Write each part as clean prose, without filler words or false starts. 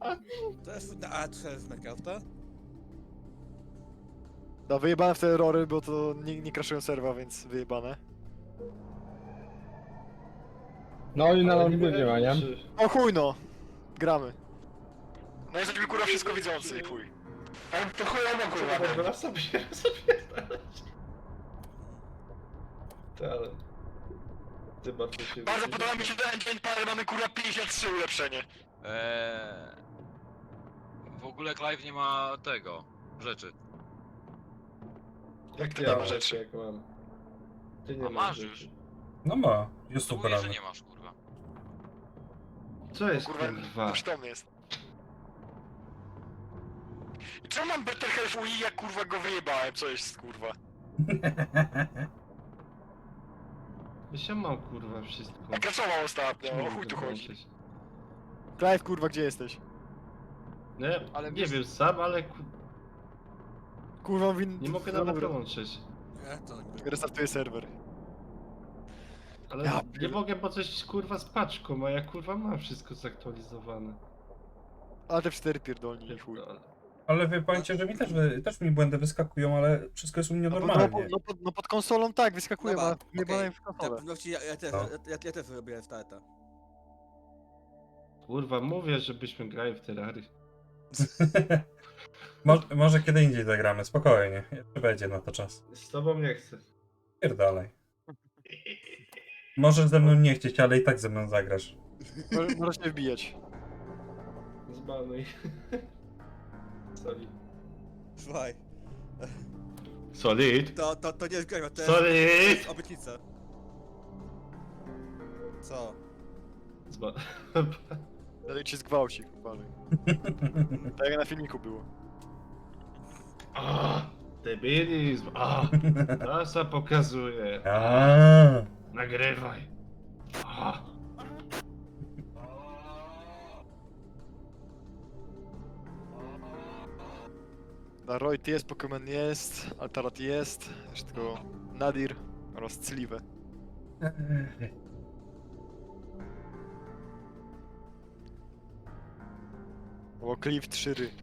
To jest na A3 z Minecrafta? No wyjebane w te erory, bo to nie crashują serwa, więc wyjebane. No i na Ale lądzie nie ma, nie? O chuj no! Gramy. No jesteśmy kurwa wszystko widzący i chuj. Ale to chujowo kurwa. Dobra, sobie. Ale... Zobacz, co się Bardzo dzieje. podoba mi się ten engine, ale mamy kurwa 53 ulepszenie. W ogóle Clive nie ma tego, rzeczy. Jak to ja nie ma mam rzeczy? jak mam? Ty nie A masz masz rzeczy. już. No ma, jest To super. mówię, że nie masz, kurwa. Co jest Kurwa, kurwa? przytomny jest. I czemu mam Better Health UI, jak kurwa go wyjebałem, co jest kurwa? Ja mam kurwa wszystko. A crashował ostatnio, Czemu o chuj mogę tu chodzi. włączyć? Clive kurwa, gdzie jesteś? Nie, Ale nie wiesz- wiem sam, ale Kurwa, nie mogę nawet dołączyć. Nie, to nie. Restartuję serwer. Ale Ja nie pier- mogę, bo coś kurwa z paczką, a ja kurwa mam wszystko zaktualizowane. Ale te 4 pierdolni i chuj. No, Ale wie pamięcie, że mi też mi błędy wyskakują, ale wszystko jest u mnie normalnie. No pod konsolą tak, wyskakuje, Dobra, ma wyjebane w Na konsolę. pewności ja też, No. ja też robię starta. Kurwa, mówię, żebyśmy grali w Terrarii. Może kiedy indziej zagramy, spokojnie. Jeszcze będzie na to czas. Z tobą nie chcę. Pierdalej. Możesz ze mną nie chcieć, ale i tak ze mną zagrasz. Możesz się wbijać. Zbanuj. Solid. Słuchaj, Solid? to nie jest gra, to Solid! jest obietnica. Co? Dalej cię zgwałci, kurwa. Tak jak na filmiku było. Debilizm! NASA pokazuje! Aaaa. Nagrywaj! A. Royd jest, Pokémon jest, Altarat jest, jeszcze tylko Nadir oraz Clive. O, Clive 3 ry.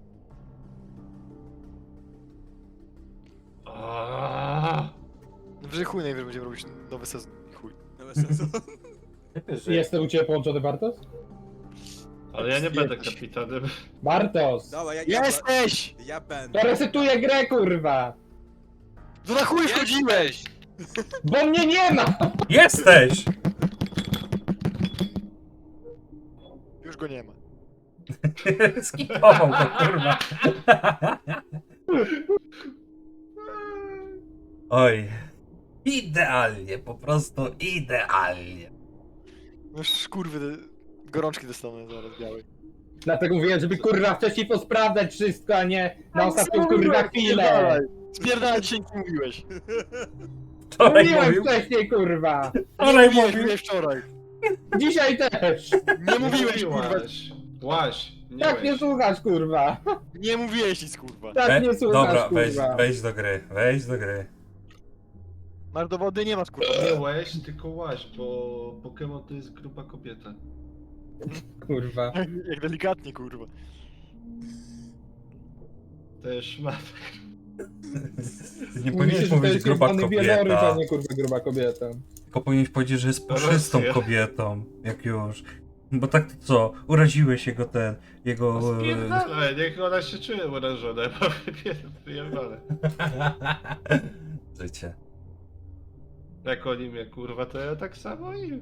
A. No że chuj najwyżej będziemy robić nowy sezon i chuj. No bez sensu. Jestem u ciebie połączony, Bartos? Ale ja nie będę Jesteś. kapitanem. Bartos! Dobra, Jesteś! ja będę. To resetuję grę, kurwa! To na chuj wchodziłeś! Bo mnie nie ma! Jesteś! Już go nie ma. Skipował to, kurwa. Oj. Idealnie, po prostu idealnie. No już kurwy, gorączki dostanę zaraz białej. Dlatego mówiłem, żeby kurwa wcześniej posprawdzać wszystko, a nie na ostatnią kurwa chwilę! Spierdalaj, dzisiaj nic nie mówiłeś. Wczoraj Mówiłem mówił. wcześniej, kurwa! Wczoraj Mówiłeś, mówił. mówiłeś wczoraj. Dzisiaj też! Nie mówiłeś, kurwa. Łaś! Nie Tak nie łeś. słuchasz, kurwa! Nie mówiłeś nic, kurwa. Tak nie słuchasz, Dobra, kurwa! wejdź do gry, wejdź do gry. Masz dowody? Nie masz, kurwa. Nie łeś, tylko łaś, bo Pokémon to jest gruba kobieta. Kurwa. Jak delikatnie, kurwa. To jest szmat. Nie Mówi się, powinieneś że to mówić jest gruba jebany wieloryb, kobieta. a nie kurwa gruba kobieta. Tylko powinieneś powiedzieć, że jest puszystą Rosja. kobietą, jak już. Bo tak to co, uraziłeś jego... Spierdalaj, niech ona się czuje urażona, bo wyjebane. Życie. Jak oni mnie kurwa, to ja tak samo i...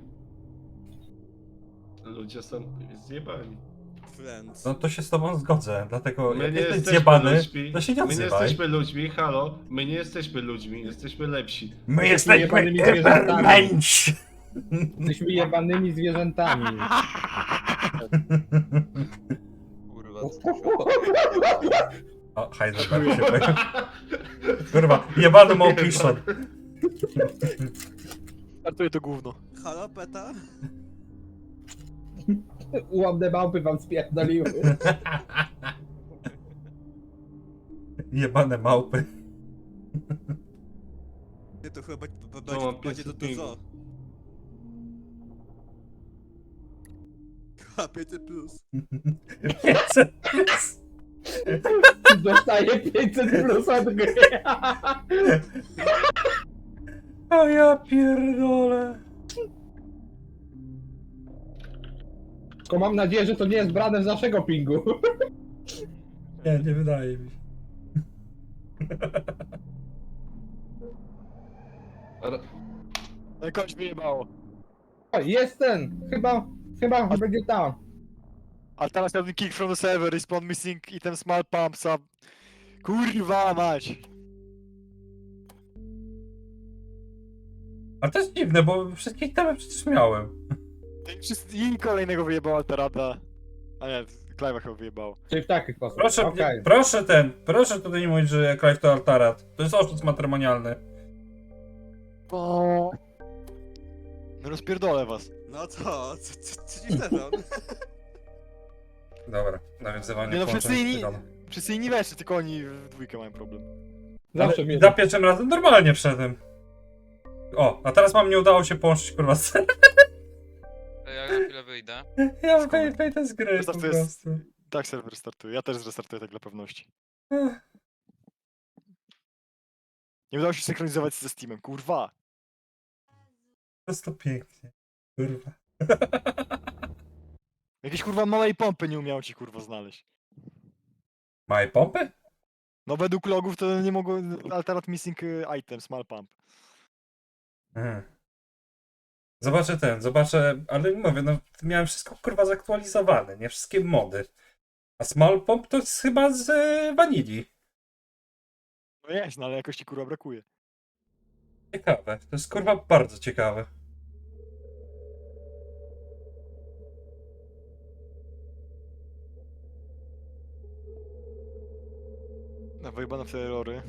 Ludzie są zjebani. Friends. No to się z tobą zgodzę, dlatego My jak nie jesteś jesteśmy zjebany, ludźmi. to się nie My nie odzywaj. jesteśmy ludźmi, halo. My nie jesteśmy ludźmi, jesteśmy lepsi. My Jesteśmy jesteśmy jebanymi zwierzętami. Übermensch! Jesteśmy jebanymi zwierzętami. Kurwa, O, Heisenberg się pojawił. Kurwa, jebany Małpiszon. Startuję to gówno. Halo, Peta? Ułomne małpy wam spierdoliły. Jebane małpy. Nie, to chyba mam będzie to 500 dużo. A 500 plus. 500 plus. Dostaję 500 plus od gry. O ja pierdolę. Tylko mam nadzieję, że to nie jest brane z naszego pingu. Nie wydaje mi się. Ale... Jakoś wyjebało. O, jest ten. Chyba będzie tam. A teraz miałbym kick from the server, respawn missing item small pumps up. Kurwa mać! A to jest dziwne, bo wszystkich tam przecież miałem. I kolejnego wyjebało Alterada. A nie, Clive'a chyba wyjebało. Czyli w taki sposób. Proszę, Okej. proszę tutaj nie mówić, że Clive to Altarat. To jest oszust matrymonialny. O. No rozpierdolę was. No co ci sezon? Dobra, nawiązywanie Nie no, połączeń wszyscy inni- stylowych. Wszyscy inni weszli, tylko oni w dwójkę mają problem. Zawsze Ale mnie... za pierwszym razem normalnie wszedłem. O, a teraz mam nie udało się połączyć kurwa z... Ja na chwilę wyjdę. Ja wejdę z gry po Wystarczy jest- prostu. Tak, serwer startuje. Ja też zrestartuję tak dla pewności. Ech, Nie udało się synchronizować ze Steamem, kurwa. To jest to pięknie. Kurwa. Jakieś kurwa małej pompy nie umiał ci kurwa znaleźć. Małej pompy? No według logów to nie mogło... Alterat missing item, small pump. Mhm. Zobaczę, ale mówię, no miałem wszystko kurwa zaktualizowane, nie wszystkie mody. A Small Pump to jest chyba z Vanilli. No jest, no ale jakoś ci kurwa brakuje. Ciekawe, to jest kurwa bardzo ciekawe. No wyjebane w te errory.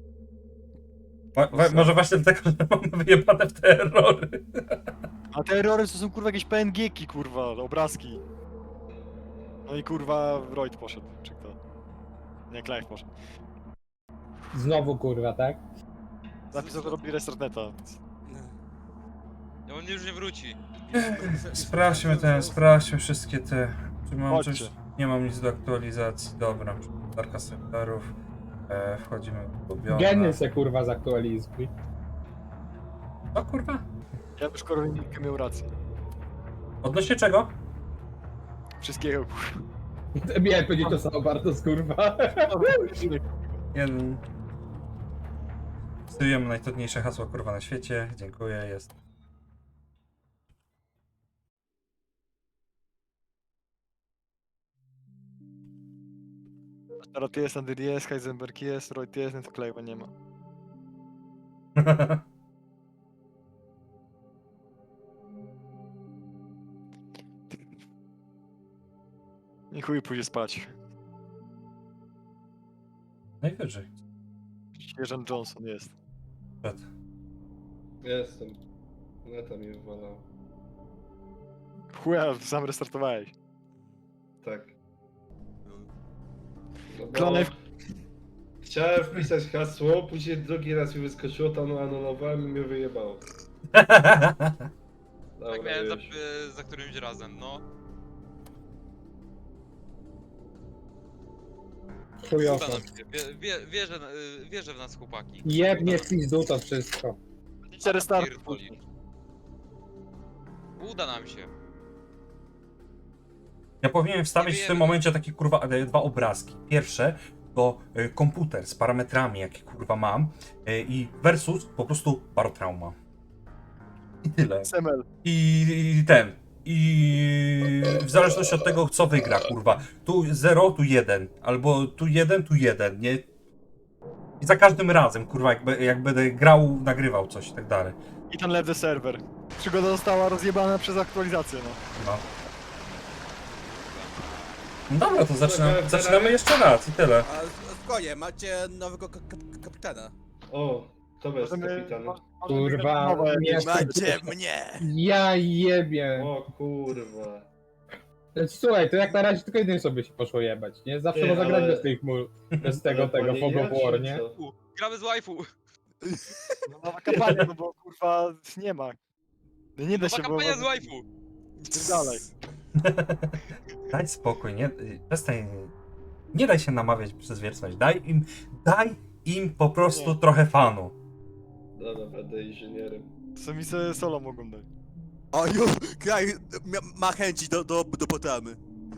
Może właśnie dlatego, że mamy wyjebane w te errory. A te errory to są kurwa jakieś PNG-ki kurwa, obrazki. No i kurwa Royd poszedł, czy kto? Nie, Clive poszedł. Znowu kurwa, tak? Napisał, że robi restart neta. Więc... Ja on już nie wróci. Sprawdźmy wszystkie te... Czy mam Chodźcie. coś? Nie mam nic do aktualizacji, dobra. Przeglądarka serwerów. Wchodzimy w ulubione. Geny se kurwa zaktualizuj. O kurwa. Ja już Korwin-Mikke miał rację. Odnośnie czego? Wszystkiego Miałem powiedzieć to samo bardzo kurwa. Jeden. Stosujemy najtrudniejsze hasło kurwa na świecie. Dziękuję, jest. Teraz jest, Andy jest, Heisenberg jest, Royd jest, no to Clive'a nie ma. I chuj pójdzie spać. Najwyżej. Sierżant Johnson jest. Przed. Jestem. Neta mi wywalał. Chuja, sam restartowałeś. Tak. No bo Klonek. chciałem wpisać hasło, później drugi raz mi wyskoczyło, tam anulowałem i mnie wyjebało. Tak Dobra, miałem już. za którymś razem, no. Chujowo. Uda nam się. Wierzę w nas chłopaki. Jebnie Uda w pizdu to wszystko. Jeszcze restart. pierdoli. Uda nam się. Ja powinienem wstawić w wiemy, tym no. momencie takie kurwa dwa obrazki. Pierwsze to komputer z parametrami, jakie kurwa mam, i versus po prostu barotrauma. I tyle. SML. I ten. I w zależności od tego, co wygra, kurwa. Tu 0, tu 1. Albo tu 1, tu 1, nie? I za każdym razem, kurwa, jak będę grał, nagrywał coś i tak dalej. I ten left the server. Przygoda została rozjebana przez aktualizację, no. No. No dobra, to zaczynamy jeszcze raz i tyle. A spokojnie, macie nowego kapitana. O, to jest Możemy- kapitan. Kurwa, Nowe nie jakieś- Macie mnie! Ja jebie. O kurwa. Słuchaj, to jak na razie tylko jednej sobie się poszło jebać, nie? Zawsze Ty, można grać ale- bez tych bez tego Ale Fog of nie War, czy nie? co? Gramy z waifu. No, nowa kampania, no bo kurwa nie ma. No nie da Nowa się, bo... kampania z waifu. Dalej. Daj spokój, nie, przestań, nie daj się namawiać przez wieczność, daj im po prostu Nie. trochę fanu. Dobra, będę inżynierem. Sami sobie solo mogą dać. O, już, kraj ma chęci do potamy.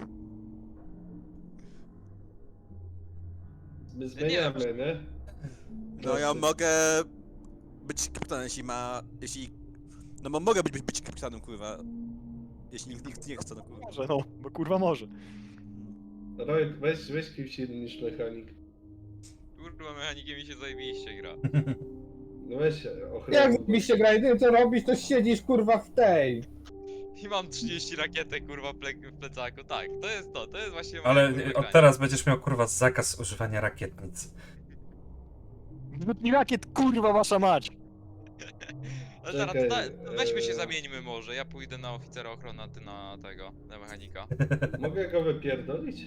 My zmieniamy, nie? No ja mogę być kapitanem, jeśli... No mogę być kapitanem, kurwa. Jeśli nikt nie chce, no kurwa. Może, no, bo kurwa może. Roy, weź kimś innym niż mechanik. Kurwa, mechanikiem mi się zajebiście gra. No weź ochronę. Jak mi się gra, jedyne co robisz, to siedzisz kurwa w tej. I mam 30 rakietek, kurwa, w plecaku. Tak, to jest właśnie moje, Ale kurwa, od granie. teraz będziesz miał kurwa zakaz używania rakietnic. Wytnij rakiet, kurwa wasza mać! Ale zaraz, Czekaj, weźmy się zamieńmy może. Ja pójdę na oficera ochrony, a ty na tego, na mechanika. Mogę go wypierdolić?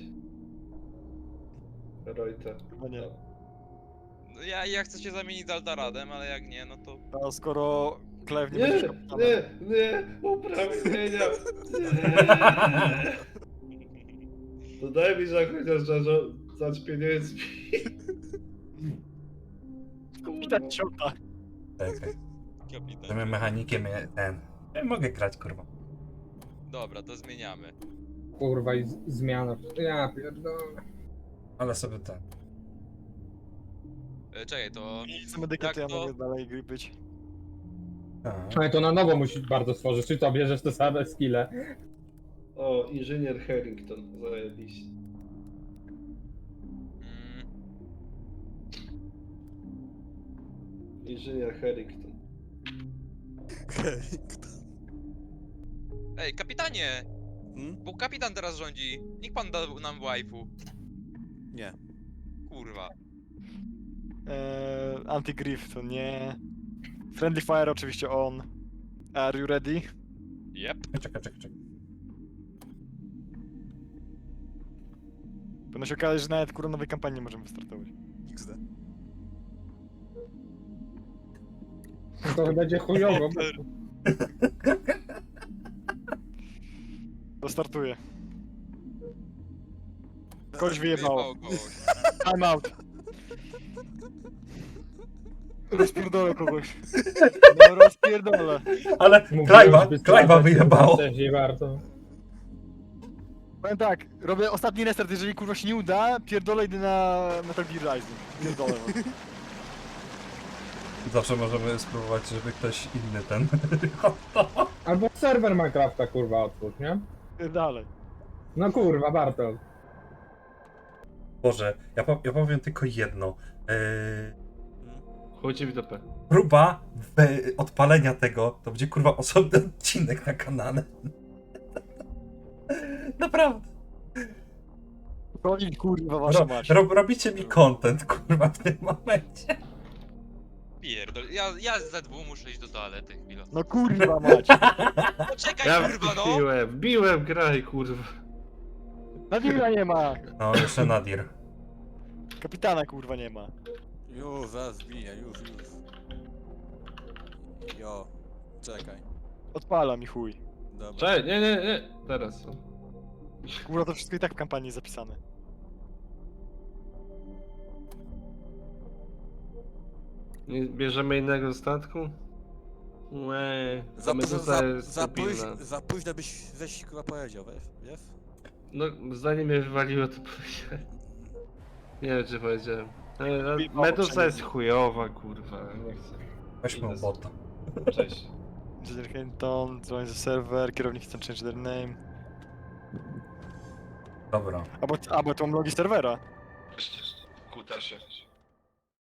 Royta. Chyba nie. No ja chcę się zamienić z Altaradem, ale jak nie, no to... A skoro Clive nie Nie, będzie kapitanem... nie, uprawnienia. Nie. To daj mi za chociaż za pieniędzmi. Kapitan ciąta. Czekaj, Kapitan. tym mechanikiem ja mogę grać kurwa. Dobra, to zmieniamy. Kurwa i zmiana. Ja pierdolę. Ale sobie ten. Czekaj, to... Co medyka, to ja Jak to? mogę dalej gry być. Tak. Ale to na nowo musisz bardzo stworzyć, czy to bierzesz te same skille? O, inżynier Harrington, zajebiście. Mm, Inżynier Harrington. Ej, kapitanie! Hmm? Bo kapitan teraz rządzi. Niech pan da nam waifu. Nie. Kurwa. Anti-Griff to nie. Friendly Fire oczywiście on. Are you ready? Yep. Czekaj. Powinno się okazać, że nawet kurwa nowej kampanii nie możemy wystartować. XD. To będzie chujowo. To startuje. Kogoś wyjebało. kogoś. Time out. Rozpierdolę kogoś. No rozpierdolę. Ale Clive'a wyjebało. Nie warto. Powiem tak, robię ostatni restart, jeżeli kurwa się nie uda, pierdolę idę na Metal Gear Rising. Pierdolę. Zawsze możemy spróbować, żeby ktoś inny ten. Albo serwer Minecrafta kurwa otwórz, nie? Pierdolę. No kurwa, warto. Boże, ja powiem tylko jedno. Chodźcie w dupę. Próba odpalenia tego to będzie kurwa osobny odcinek na kanale. Naprawdę. Koniec kurwa wasza mać. Robicie mi content kurwa w tym momencie. Pierdol. Ja z Z2 muszę iść do toalety chwilę. No kurwa mać. Poczekaj, Ja kurwa, no! wbiłem graj, kurwa. Nadira nie ma. No, jeszcze Nadir. Kapitana kurwa nie ma. Już, zaraz wbiję, już. Jo, czekaj. Odpala mi chuj. Dobra. Cześć, nie. Teraz. Kurwa to wszystko i tak w kampanii jest zapisane. Nie bierzemy innego statku? Łe, Za późno byś chyba powiedział, wiesz? No, zanim mnie wywaliło, to powiedziałem. Nie wiem, czy powiedziałem. Medusa jest chujowa, kurwa, nie chcę. Weźmy Idę bota. Cześć. Engineer Hinton, join the server, kierownik chce change their name. Dobra. Albo to mam logi serwera. Kutasie.